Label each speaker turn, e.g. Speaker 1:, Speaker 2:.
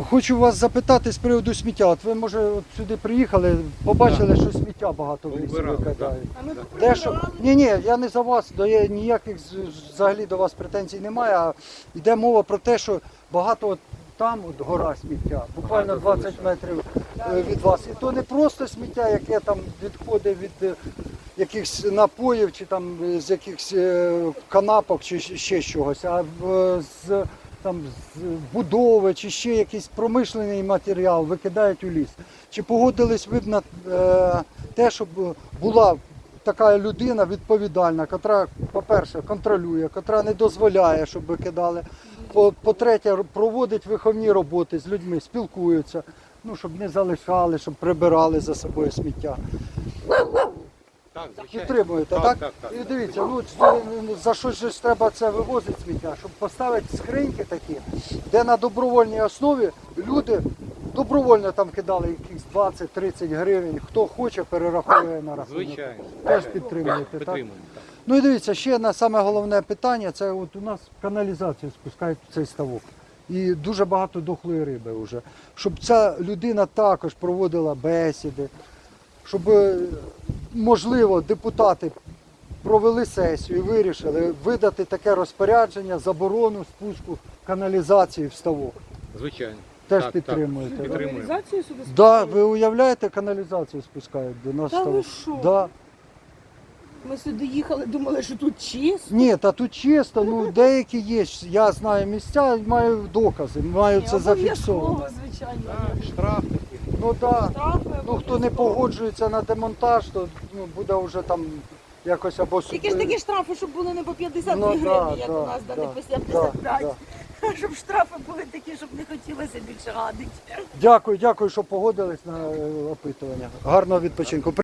Speaker 1: Хочу вас запитати з приводу сміття. От ви, може, от сюди приїхали, побачили, що сміття багато в лісі викидають. Де що? Ні, я не за вас, ніяких взагалі до вас претензій немає, а йде мова про те, що багато от там от гора сміття, буквально 20 метрів від вас. І то не просто сміття, яке там відходить від якихось напоїв, чи там з якихось канапок, чи ще чогось, а з будови, чи ще якийсь промишлений матеріал викидають у ліс. Чи погодились ви б на те, щоб була така людина відповідальна, яка, по-перше, контролює, яка не дозволяє, щоб викидали, по-третє, проводить виховні роботи з людьми, спілкуються, ну, щоб не залишали, щоб прибирали за собою сміття.
Speaker 2: Так,
Speaker 1: Підтримуєте, так?
Speaker 2: Так.
Speaker 1: І дивіться, ну, за що ж треба це вивозити сміття? Щоб поставити скриньки такі, де на добровольній основі люди добровольно там кидали якісь 20-30 гривень, хто хоче, перераховує на рахунок.
Speaker 2: Звичайно.
Speaker 1: Теж підтримуєте, так?
Speaker 2: Підтримуємо, так.
Speaker 1: Ну і дивіться, ще на саме головне питання, це от у нас каналізацію спускають в цей ставок. І дуже багато дохлої риби вже. Щоб ця людина також проводила бесіди, щоб, можливо, депутати провели сесію і вирішили видати таке розпорядження, заборону спуску каналізації в ставок.
Speaker 2: Звичайно.
Speaker 1: Теж
Speaker 2: Так,
Speaker 1: підтримуєте, так?
Speaker 2: Підтримуємо.
Speaker 3: Каналізацію сюди
Speaker 1: Да,
Speaker 3: спускають?
Speaker 1: ви уявляєте, каналізацію спускають до нас в
Speaker 3: Та ви
Speaker 1: ставок?
Speaker 3: що?
Speaker 1: Да.
Speaker 3: Ми сюди їхали, думали, що тут чисто.
Speaker 1: Ні, та тут чисто, ну деякі є, я знаю місця, маю докази, маю це зафіксовано.
Speaker 3: Обов'язково, звичайно.
Speaker 2: Штраф такий.
Speaker 1: Ну так,
Speaker 3: Штрафи
Speaker 1: ну хто не
Speaker 3: обов'язково.
Speaker 1: погоджується на демонтаж, то ну, буде вже там якось або
Speaker 3: Тільки ж такі штрафи, щоб були не по 52
Speaker 1: Ну,
Speaker 3: гривні,
Speaker 1: да,
Speaker 3: як
Speaker 1: да,
Speaker 3: у нас, да, не
Speaker 1: да,
Speaker 3: по 75.
Speaker 1: да.
Speaker 3: Щоб штрафи були такі, щоб не хотілося більше гадити.
Speaker 1: Дякую, що погодились на опитування. Гарного відпочинку.